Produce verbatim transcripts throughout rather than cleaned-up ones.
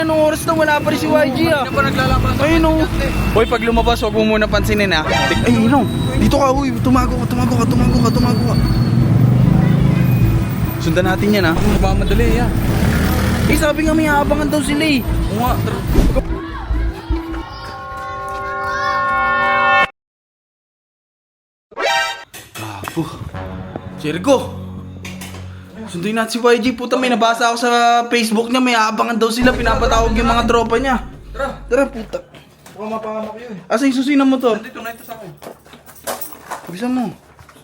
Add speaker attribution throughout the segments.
Speaker 1: Anong oras na wala pa rin si Y G ah?
Speaker 2: Hindi pa naglalaban sa
Speaker 1: Ayun o.
Speaker 2: kanya.
Speaker 1: Hoy, pag lumabas, huwag mo muna pansinin ha. Ay, Inong. Dito ka, uy. Tumago ka, tumago ka, tumago ka, tumago ka. Sundan natin yan ha.
Speaker 2: Nagmamadali yan.
Speaker 1: Eh, sabi nga may aabangan daw sila eh.
Speaker 2: Oo nga. tara.
Speaker 1: Apo. Jericho. Sunduin natin si Y G. Puta, may nabasa ako sa Facebook niya. May aabangan daw sila. Pinapatawag yung mga tropa niya.
Speaker 2: Tara.
Speaker 1: Tara, puta.
Speaker 2: Baka mapangamak yun.
Speaker 1: Asa yung susi ng motor?
Speaker 2: Nandito na ito sa akin.
Speaker 1: Bilisan mo.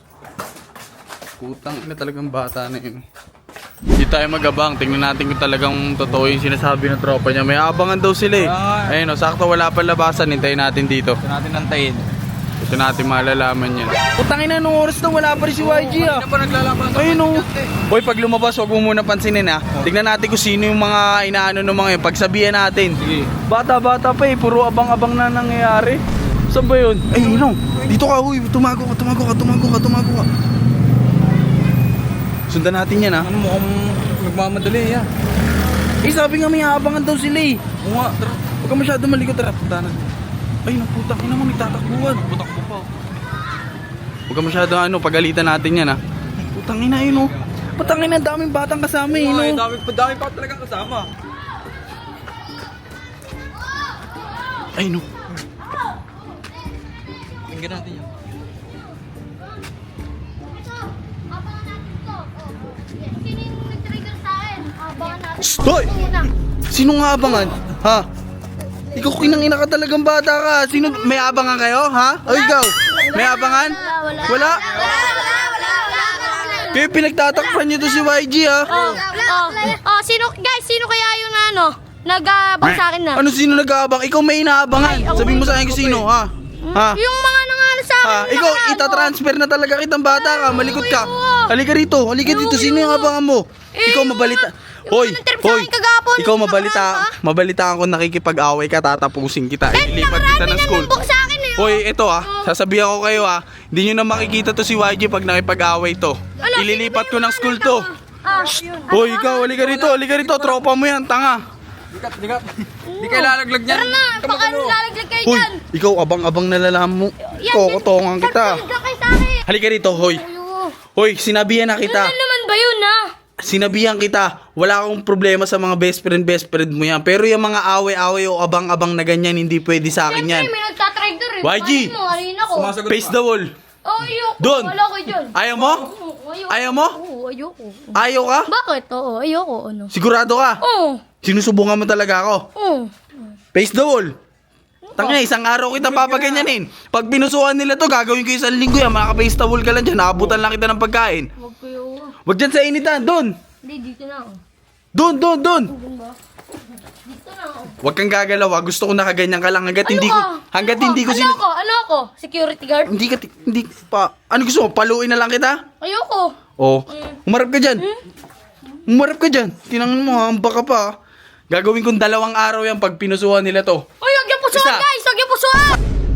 Speaker 1: Putang ina talagang bata na yun. Hindi tayo magabang. Tingnan natin kung talagang totoo yung sinasabi ng tropa niya. May aabangan daw sila eh.
Speaker 2: Ah.
Speaker 1: Ayun o, sakto wala pa labasan. Hintayin natin dito.
Speaker 2: Ito natin nantayin.
Speaker 1: Ito natin malalaman yan. Putang ina, nung oras na wala pa rin si Y G ah.
Speaker 2: Hindi pa naglalaban sa
Speaker 1: Ayun o.
Speaker 2: kanya.
Speaker 1: Hoy, pag lumabas, huwag mo muna pansinin ha. Tignan natin kung sino yung mga inaano ng mga yun. Pagsabihan natin.
Speaker 2: Sige.
Speaker 1: Bata-bata pa eh. Puro abang-abang na nangyayari. Saan ba yun? Ay, Inong. Dito ka, uy. Tumago ka, tumago ka, tumago ka, tumago ka. Sundan natin yan ha.
Speaker 2: Ano mo kung nagmamadali yan.
Speaker 1: Eh, sabi nga may aabangan daw sila eh.
Speaker 2: Oo nga. Tara.
Speaker 1: Huwag ka masyado malikot. Tara, punta na. Ay, naputang ina mo, nagtatakbuhan.
Speaker 2: Butak ko pa.
Speaker 1: Huwag ka masyado ano, pagalitan natin yan ha. Putang ina yun oh. Putang ina, daming batang kasama eh,
Speaker 2: Oo nga, eh,
Speaker 1: no?
Speaker 2: dami, dami pa talagang kasama.
Speaker 1: Ay, no.
Speaker 2: Tingnan natin yan.
Speaker 3: Sino yung nag-trigger sa akin? Abangan natin.
Speaker 1: Hoy!
Speaker 3: Muna.
Speaker 1: Sino nga abangan? Ha? Ikaw kinangina ka talagang bata ka. Sino? May abangan kayo? Ha? O ikaw? May abangan?
Speaker 3: Wala.
Speaker 1: Wala?
Speaker 3: Wala, wala, wala, wala.
Speaker 1: Kaya pinagtatakpan niyo to si Y G ha?
Speaker 3: Oh, oh, oh, sino, guys, sino kaya yung ano, nag-abang sa akin na?
Speaker 1: Ano sino nag-aabang? Ikaw may inaabangan. Sabihin mo sa akin kung sino ha? Ha?
Speaker 3: Yung mga nangalo sa akin.
Speaker 1: Ha?
Speaker 3: na
Speaker 1: Ikaw,
Speaker 3: nakaraan,
Speaker 1: itatransfer na talaga kitang bata ka. Malikot ka.
Speaker 3: Oo.
Speaker 1: Halika rito. Halika dito. Sino yung abangan mo?
Speaker 3: Eh,
Speaker 1: Ikaw mabalita.
Speaker 3: yung
Speaker 1: Hoy,
Speaker 3: mga nag-trip sa
Speaker 1: hoy.
Speaker 3: akin kagapon,
Speaker 1: Ikaw
Speaker 3: yung
Speaker 1: mabalita.
Speaker 3: nakaraan,
Speaker 1: Mabalitaan ko nakikipag-away ka, tatapusin kita.
Speaker 3: Eh,
Speaker 1: Ililipat kita
Speaker 3: nakarami
Speaker 1: ng school.
Speaker 3: namang sa akin eh.
Speaker 1: Hoy, ito ah.
Speaker 3: Oh.
Speaker 1: Sasabihan ko kayo ah. Hindi nyo na makikita to si Y G pag nakipag-away to.
Speaker 3: Ano,
Speaker 1: Ililipat ko
Speaker 3: sino ba
Speaker 1: ng
Speaker 3: yung
Speaker 1: school
Speaker 3: mga
Speaker 1: to.
Speaker 3: Ah,
Speaker 1: Hoy, ikaw, halika rito. Halika rito. Tropa mo yan, tanga.
Speaker 2: Dikat, dikat. Di kayo lalaglag niyan.
Speaker 3: Tara na,
Speaker 2: Come
Speaker 3: baka
Speaker 2: on, ano?
Speaker 3: lalaglag kayo
Speaker 1: Hoy,
Speaker 3: dyan.
Speaker 1: ikaw abang-abang nalalaman mo.
Speaker 3: Yan,
Speaker 1: Kokotongan
Speaker 3: yan.
Speaker 1: kita.
Speaker 3: Sarap kayo sa akin.
Speaker 1: Halika rito, hoy.
Speaker 3: Ayun.
Speaker 1: Hoy, sinabihan na kita.
Speaker 3: Ano naman ba yun, ha?
Speaker 1: Sinabihan kita, wala akong problema sa mga best friend, best friend mo yan. Pero yung mga away-away o abang-abang na ganyan, hindi pwede sa akin yan.
Speaker 3: Siyempre, may nagtatrigger eh.
Speaker 1: Y G.
Speaker 3: Paano mo, halina ko.
Speaker 2: Sumasagot
Speaker 1: Face
Speaker 2: pa.
Speaker 1: the wall.
Speaker 3: Oh, ayoko.
Speaker 1: Doon.
Speaker 3: Wala ko dyan.
Speaker 1: Ayaw mo?
Speaker 3: Oo, ayoko.
Speaker 1: Ayaw mo?
Speaker 3: Oo, ayoko.
Speaker 1: Ayaw ka?
Speaker 3: Bakit? Oo, ayoko. Ano?
Speaker 1: Sigurado ka?
Speaker 3: Oo.
Speaker 1: Sinusubukan mo talaga ako.
Speaker 3: Oo.
Speaker 1: Face the wall. Tangina, isang araw kita papaganyanin. Pag pinusukan nila to, gagawin ko isang linggo yan. Makaka-face the wall ka lang dyan. Nakabutan lang kita ng pagkain.
Speaker 3: Huwag kayo.
Speaker 1: Wag dyan sa initan. Doon.
Speaker 3: Hindi, dito na ako.
Speaker 1: Doon, doon, doon.
Speaker 3: Doon ba? Dito na ako.
Speaker 1: Wag kang gagalaw. ah. Gusto ko nakaganyan ka lang hanggat
Speaker 3: Ano
Speaker 1: hindi ko
Speaker 3: ka?
Speaker 1: hanggat
Speaker 3: Ano
Speaker 1: hindi ko
Speaker 3: ka?
Speaker 1: sin
Speaker 3: Ano ako? Ano ako? Security guard?
Speaker 1: hindi ka ti- hindi pa ano gusto mo? Paluin na lang kita?
Speaker 3: Ayoko.
Speaker 1: Oh,
Speaker 3: Mm.
Speaker 1: umarap ka diyan. Umarap ka diyan. Tinangan mo ha, baka pa. ah. Gagawin kong dalawang araw yan pag pinusuhan nila to.
Speaker 3: Uy, huwag yung pusuan,
Speaker 1: Isa.
Speaker 3: guys! Huwag yung pusuan!